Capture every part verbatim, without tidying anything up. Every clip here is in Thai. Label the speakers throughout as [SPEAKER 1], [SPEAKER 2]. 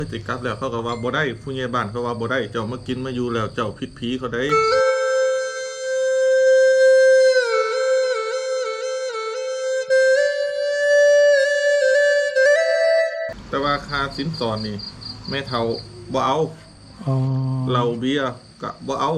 [SPEAKER 1] ติกลับแล้วเขาก็ว่าบ่ได้ผู้ใหญ่บ้านเขาว่าบ่ได้เจ้ามากินมาอยู่แล้วเจ้าผิดผีเขาได้แต่ว่าค่าสินสอดนี่แม่เฒ่าบ่เอาเหล้าเบียร์ก็บ่เอา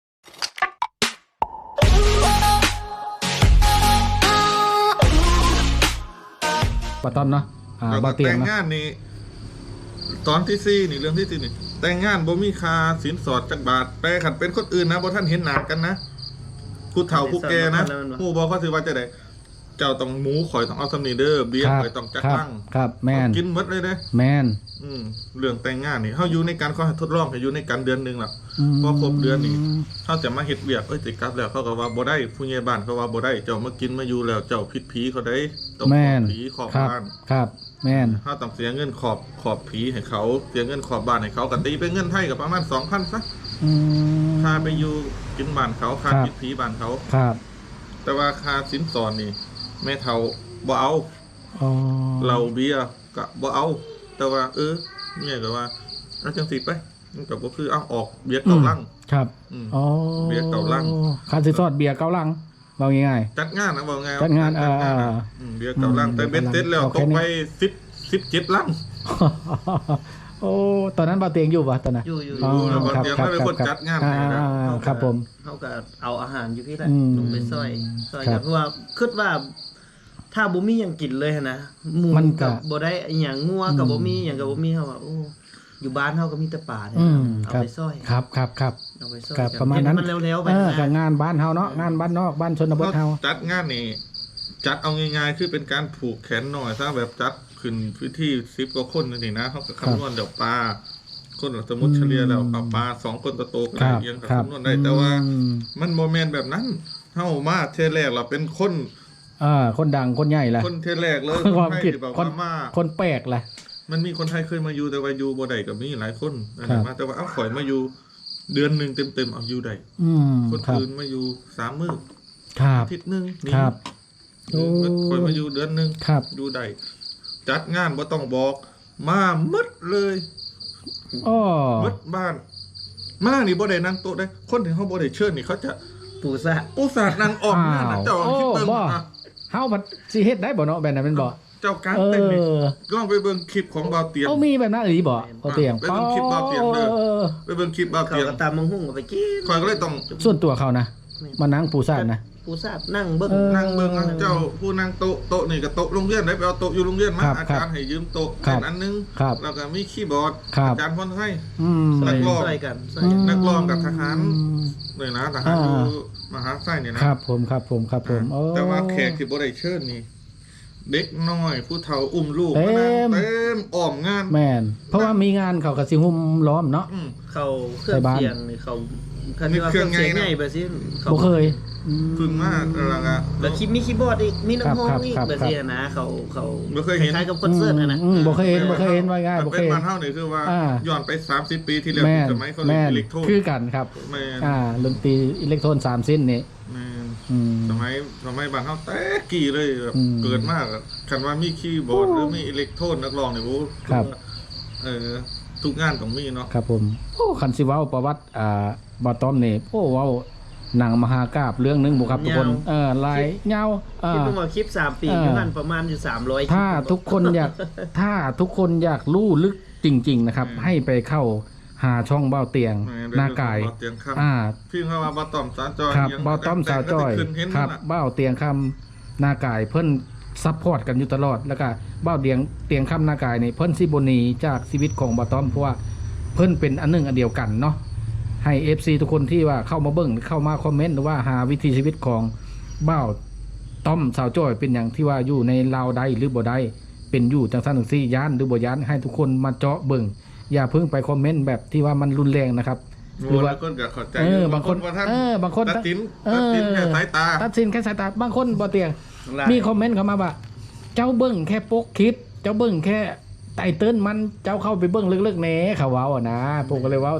[SPEAKER 2] บ่ต้อมเนาะอ่าบ่เตียงแต่ง
[SPEAKER 1] งานนี่ตอนที่สี่นี่เรื่องที่สี่นี่แต่งงานบ่มีค่าสินสอดจักบาทแต่คันเป็นคนอื่นนะบ่ท่านเห็นหน้ากันนะผู้เฒ่าผู้แก่นะผู้บ่เขาสิว่าจะได้เจ้าต้องหมูข่อยต้องเอาสำนีเด้อเบียร์ข่อยต้องจักตั้ง
[SPEAKER 2] ครับแม่น
[SPEAKER 1] กินหมดเลยเด้
[SPEAKER 2] แม่น
[SPEAKER 1] อืมเรื่องแต่งงานนี่เฮาอยู่ในการเขาทดลองให้อยู่ในการเดือนนึงล่ะพอครบเดือนนี่เฮาจะมาเฮ็ดเวียกเอ้ยสิกลับแล้วเขาก็ว่าบ่ได้ผู้ใหญ่บ้านเขาว่าบ่ได้เจ้ามากินมาอยู่แล้วเจ้าผิดผีเขาได้ต้องขอบผีขอบบ้าน
[SPEAKER 2] ครับแม่น
[SPEAKER 1] เฮาต้องเสียเงินขอบขอบผีให้เขาเสียเงินขอบบ้านให้เขาก็ตีเป็นเงินไทยก็ประมาณ สองพัน ซะ
[SPEAKER 2] อืม
[SPEAKER 1] ค่าไปอยู่กินบ้านเขาค่าผิดผีบ้านเขา
[SPEAKER 2] ครับ
[SPEAKER 1] แต่ว่าค่าสินสอดนี่แม่เฒ่าบ่เอา
[SPEAKER 2] อ๋อ
[SPEAKER 1] เหล้าเบียร์ก็บ่เอาแต่ว่าเออเมียก็ว่าเอาจังสิไปมันก็บ่คือเอาออกเบียร์เก่าลัง
[SPEAKER 2] ครับอ๋อ
[SPEAKER 1] เบียร์เก่าลัง
[SPEAKER 2] ค่าสินสอดเบียร์เก่าลังว่าง่าย
[SPEAKER 1] ๆจัดงานนะว่าไง
[SPEAKER 2] จัดงานเออ
[SPEAKER 1] เบียร์เก่าลังแต่เบ็ดเสร็จแล้วตกไปสิบ สิบเจ็ดลัง
[SPEAKER 2] โอ้ตอนนั้นบ่าวเตียงอยู่ป่ะตอนนั้น
[SPEAKER 3] อยู่อยู่
[SPEAKER 1] อ๋อบ่าวเตียงเป็นคนจัดงานให้นะครับ
[SPEAKER 2] ผม
[SPEAKER 3] เฮาก็เอาอาหารอยู่พี่แหละลงไปซอยซอยกันเพราะว่าคิดว่าถ้าบ่มีหยังกินเลยนะหมูก็บ่ได้หยังงัวก็บ่มีหยังก็บ่มีเฮาว่าโอ้อยู่บ้านเฮาก็มีแต่ป่าเนี่ยเอาไปซอย
[SPEAKER 2] ครับครับครับ
[SPEAKER 3] เอาไปซอย
[SPEAKER 2] กับประมาณนั้น
[SPEAKER 3] มันเร็วๆไป
[SPEAKER 2] เออกับงานบ้านเฮาเนาะงานบ้านนอกบ้านชนบทเฮา
[SPEAKER 1] จัดงานนี่จัดเอาง่ายๆคือเป็นการผูกแขนหน่อยซะแบบจัดขึ้นพื้นที่สิบกว่าคนนี่นะเฮาก็คำนวณเดี๋ยวปลาคนสมมุติเฉลี่ยแล้วเอาปลาสองคนโตๆก็ได้ยังคำนวณได้แต่ว่ามันบ่แม่นแบบนั้นเฮามาเทแรกเราเป็นคน
[SPEAKER 2] อ่าคนดังคนใหญ่ล่ะ
[SPEAKER 1] คนเทแรกเลย
[SPEAKER 2] ความคิดคนมาคนแปลกล่ะ
[SPEAKER 1] มันมีคนไทยเคยมาอยู่แต่ว่าอยู่บ่ได้ก็มีหลายคนนะมาแต่ว่าเอาข่อยมาอยู่เดือนนึงเต็มๆเอาอยู่ได้คนอื่นมาอยู่สามมื้อ
[SPEAKER 2] ครับ
[SPEAKER 1] อาทิตย์นึงนี่
[SPEAKER 2] ครับ
[SPEAKER 1] ข่อยมาอยู่เดือนนึงอยู่ได้จัดงานบ่ต้องบอกมาหมดเลย
[SPEAKER 2] อ้อ
[SPEAKER 1] หมดบ้านมานี่บ่ได้นั่งโต๊ะได้คนที่เฮาบ่ได้เชิญนี่เขาจะ
[SPEAKER 3] ปูซะ
[SPEAKER 1] ปูซะนั่งออกนั่นน่ะเจ้าคิดเบิ่งอ่ะ
[SPEAKER 2] เฮาบัดสิเฮ็ดได้บ่เนาะแบบนั้นแม่นบ่
[SPEAKER 1] เจ้าการเต้นนี่ลองไปเบิ่งคลิปของบ่าวเตียง
[SPEAKER 2] เอ้ามีแบบนั้นอีหลีบ่บ่าวเตียง
[SPEAKER 1] ไปเบิ่งคลิปบ่าวเตียงเด้อไปเบิ่งคลิปบ่าวเตียง
[SPEAKER 3] เขาก็ตามมังหุ่งไปกิน
[SPEAKER 1] ข่อยก็เลยต้อง
[SPEAKER 2] ส่วนตัวเขานะมานั่งปูซะนะ
[SPEAKER 3] ปูซะนั่งเบิ่ง
[SPEAKER 1] นั่งเบิ่งเจ้าผู้นั่งโต๊ะโต๊ะนี่ก็โต๊ะโรงเรียนได้ไปเอาโต๊ะอยู่โรงเรียนมาอาจารย์ให้ยืมโต๊ะอันนึงแล้วก็มีคีย์บอร์ดอาจารย์พรให้นักร้อง
[SPEAKER 3] กัน
[SPEAKER 1] นักร้องกับทหารเลยนะทหารอยู่มหาไส้เนี่ยนะครับ
[SPEAKER 2] ผมครับผมครับผม
[SPEAKER 1] แต่ว่าแขกที่บ่ได้เชิญนี่เด็กน้อยผู้เฒ่าอุ้มลูกมานั่งเต็มอ้อมงาน
[SPEAKER 2] แม่นเพราะว่ามีงานเขาก็สิหุ้มล้อมเนาะ
[SPEAKER 3] เขาเครื่องเสียงนี่เขา
[SPEAKER 1] มีเครื่องไงนะ
[SPEAKER 3] แบบนี้
[SPEAKER 2] บ่เคย
[SPEAKER 1] พึ่งมากอะไรอ่ะ
[SPEAKER 3] แล้วคิดมีคีย์บอร์ดอีกมีลำโพงอีกแบบนี้นะเขาเขา
[SPEAKER 1] บ่เคยเห็น
[SPEAKER 3] คล้ายกับคอนเสิร์ตนะ
[SPEAKER 2] บ่เคยเห็นบ่เคยเห็นว่าง่ายบ่เคย
[SPEAKER 1] เป็นบ้านเฮานี่คือว่าย้อนไปสามสิบปีที่แล้วสมัยเขาเล่นอิเล็กโทรน
[SPEAKER 2] คือกันครับอ่าดนตรีอิเล็กโทรนสามเส้นนี่
[SPEAKER 1] สมัยสมัยบ้านเฮาแต่กี่เลยแบบเกิดมากคันว่ามีคีย์บอร์ดหรือมีอิเล็กโทรนนักร้องนี่โอ้เออทุกงานต้องมีเนาะ
[SPEAKER 2] ครับผมโอ้คันสิเว้าประวัติอ่าบ่ต้อมนี่โอ้เว้าหนังมหากาพย์เรื่องนึงบ่ครับทุกคนเออลายยาว
[SPEAKER 3] อ่าคิดว่าคลิปสามปีอยู่นั่นประมาณอยู่สามร้อย
[SPEAKER 2] ถ้าทุกคนอยากถ้าทุกคนอยากรู้ลึกจริงๆนะครับให้ไปเข้าหาช่องเบ้าเตียงหน้ากาย
[SPEAKER 1] อ่าพี่เขาว่าบ่ต้อมสาวจ้อย
[SPEAKER 2] ครับบ่ต้อมสาวจ้อยครับเบ้าเตียงคำหน้ากายเพิ่นซัพพอร์ตกันอยู่ตลอดแล้วก็เบ้าเตียงเตียงคำหน้ากายนี่เพิ่นสิบ่หนีจากชีวิตของบ่ต้อมเพราะว่าเพิ่นเป็นอันนึงอันเดียวกันเนาะให้ เอฟ ซี ทุกคนที่ว่าเข้ามาเบิ่งเข้ามาคอมเมนต์หรือว่าหาวิถีชีวิตของเบ้าต้อมสาวจ้อยเป็นอย่างที่ว่าอยู่ในลาวใดหรือบ่ได้เป็นอยู่จังซั่นจังซี่ย้านหรือบ่ย้านให้ทุกคนมาเจาะเบิ่งอย่าเพิ่งไปคอมเมนต์แบบที่ว่ามันรุนแรงนะครับ
[SPEAKER 1] หรือว่าคนก็เข้าใจเออบางคน
[SPEAKER 2] เออบางคน
[SPEAKER 1] ตัดสินตัดสินแค่สายตา
[SPEAKER 2] ตัดสินแค่สายตาบางคนบ่เตียงมีคอมเมนต์เข้ามาว่าเจ้าเบิ่งแค่ปกคลิปเจ้าเบิ่งแค่ไตเติ้ลมันเจ้าเข้าไปเบิ่งลึกๆแหน่เขาเว้าอ่ะนะผมก็เลยว่า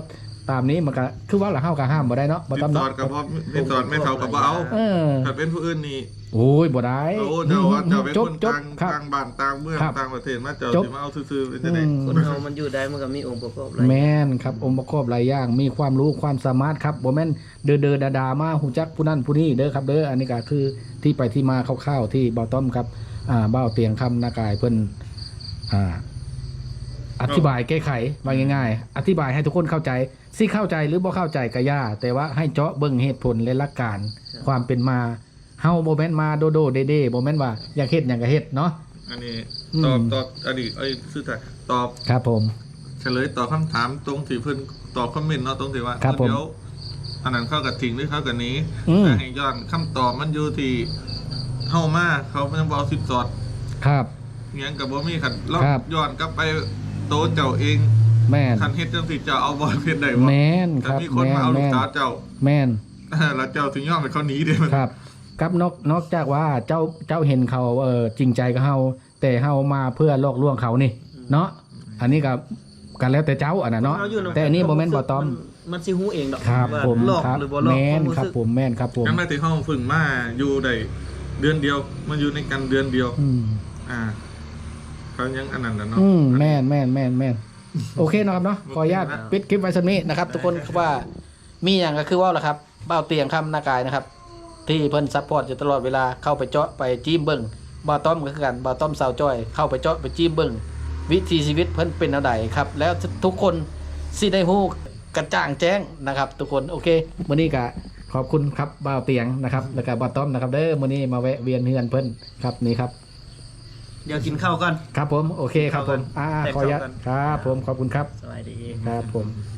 [SPEAKER 2] ตามนี้มันก็คือว่าละเฮาก็ห้ามบ่ได้เนาะบ่
[SPEAKER 1] ติด
[SPEAKER 2] ต้อง
[SPEAKER 1] สอ
[SPEAKER 2] เนาะ
[SPEAKER 1] ดกับบ่ติดสอดไม่เท่ากับบ่เอา
[SPEAKER 2] เออ
[SPEAKER 1] ถ้าเป็นผู้อื่นนี่
[SPEAKER 2] โอ้ยบ่ได้
[SPEAKER 1] โอ้เจ้าว่าเจ้าเป็น
[SPEAKER 2] จ
[SPEAKER 1] ค
[SPEAKER 2] บ
[SPEAKER 1] น
[SPEAKER 2] จบ
[SPEAKER 1] ต่าง
[SPEAKER 2] ครับ
[SPEAKER 1] ต่างบ้านต่างเมือง
[SPEAKER 2] ครับ
[SPEAKER 1] ต่างประเทศมาเจ้า
[SPEAKER 2] จบ
[SPEAKER 1] สิมาเอาซื่อๆเป็นจังได๋
[SPEAKER 2] อืม
[SPEAKER 3] คนเฮามันอยู่ได้มันก็มีองค์ประกอบหลาย
[SPEAKER 2] แม่นครับองค์ประกอบหลายอย่างมีความรู้ความสามารถครับบ่แม่นเด้อเด้อดาๆมาฮู้จักผู้นั้นผู้นี้เด้อครับเด้ออันนี้ก็คือที่ไปที่มาคร่าวๆที่เบาต้อมครับอ่าเบ้าเตียงคำนากายเพิ่นอ่าอธิบายแก้ไขว่าง่ายๆอธิบายให้ทุกคนเข้าใจสิเข้าใจหรือบ่เข้าใจก็ย่าแต่ว่าให้เจาะเบิ่งเหตุผลและหลักการความเป็นมาเฮาบ่แม่นมาโดโดเด้ๆบ่แม่นว่าอยากเฮ็ดหยังก็เฮ็ดเนาะ
[SPEAKER 1] อันนี้
[SPEAKER 2] อืม
[SPEAKER 1] ตอบตอบอันนี้ไอ้ซื่อแต่ตอบ
[SPEAKER 2] ครับผม
[SPEAKER 1] เฉลยตอบคำถามตรงที่เพิ่นตอบคอมเมนต์เนาะตรงที่ว่า
[SPEAKER 2] ครับผม
[SPEAKER 1] เดี๋ยวอันนั้นเข้ากับทิ้งหรือเข้ากับนี้
[SPEAKER 2] อืม
[SPEAKER 1] แต่ให้ย้อนคำตอบมันอยู่ที่เฮามาเขาเพิ่นบ่เอาสิบสอด
[SPEAKER 2] ครับ
[SPEAKER 1] เงี้ยกับบ่มีคันเรา
[SPEAKER 2] ครับ
[SPEAKER 1] ย้อนกลับไปโตะเจ้าเอง
[SPEAKER 2] แม่น
[SPEAKER 1] คันเฮ็ดจังสิเจ้าเอาบ่เฮ็ดได้บ่
[SPEAKER 2] แม่นค
[SPEAKER 1] แต่
[SPEAKER 2] รับ
[SPEAKER 1] มีคน
[SPEAKER 2] แม่
[SPEAKER 1] มาน เอาลูก
[SPEAKER 2] แม่น
[SPEAKER 1] สาวเจ้า
[SPEAKER 2] แม่น
[SPEAKER 1] แล้วเจ้าถึงยอมให้เขาหนีเด้มัน
[SPEAKER 2] ครับกับนอกนอกจากว่าเจ้าเจ้าเห็นเขาเออจริงใจกับเฮาแต่เฮามาเพื่อลอกลวงเขานี่เนาะอันนี้ก็กันแล้วแต่เจ้าอันน่ะเนาะ
[SPEAKER 3] เฮาอยู่ำ
[SPEAKER 2] แต่อันนี้บ่แม่นบ่ต้อม
[SPEAKER 3] นมันสิฮู้เองดอก
[SPEAKER 2] ครับ
[SPEAKER 3] ว่า
[SPEAKER 2] ผม
[SPEAKER 3] หลอก
[SPEAKER 2] ครับ
[SPEAKER 3] หรือบ่หลอก
[SPEAKER 2] แม่น
[SPEAKER 3] วา
[SPEAKER 2] ครับ
[SPEAKER 3] สึก
[SPEAKER 2] ผมแม่นครับผม
[SPEAKER 1] ยังได้ที่ห้องฝึกมาอยู่ได้เดือนเดียวมันอยู่ในกันเดือนเดียว
[SPEAKER 2] อืม
[SPEAKER 1] อ่าเขายังอันนั้นน่ะเนาะ
[SPEAKER 2] อืมแม่นแม่นแม่นแม่นโอเคนะครับเนาะขออนุญาตปิดคลิปไว้สักนี้นะครับทุกคนครับว่ามีอย่างก็คือว่าล่ะครับเบ้าเตียงคำหน้ากายนะครับ ที่เพิ่นซัพพอร์ตอยู่ตลอดเวลาเข้าไปเจาะไปจิ้มเบิ่งบ่าวต้อมก็คือกันบ่าวต้อมสาวจ้อยเข้าไปเจาะไปจิ้มเบิ่งวิถีชีวิตเพิ่นเป็นแนวใดครับแล้วทุกคนสิได้ฮู้กระจ่างแจ้งนะครับ ทุกคนโอเคมื้อนี้ก็ขอบคุณครับบ่าวเตียงนะครับแล้วก็บ่าวต้อมนะครับเด้อมื้อนี้มาแวะเวียนเฮือนเพิ่นครับนี่ครับ
[SPEAKER 3] เดี๋ยวกินข้าวก่อน
[SPEAKER 2] ครับผมโอเคครับผมอ่า
[SPEAKER 3] แตก
[SPEAKER 2] ขออนุญาต
[SPEAKER 3] ต่อกัน
[SPEAKER 2] ครับผมขอบคุณครับ
[SPEAKER 3] สวัสดี
[SPEAKER 2] ครับผม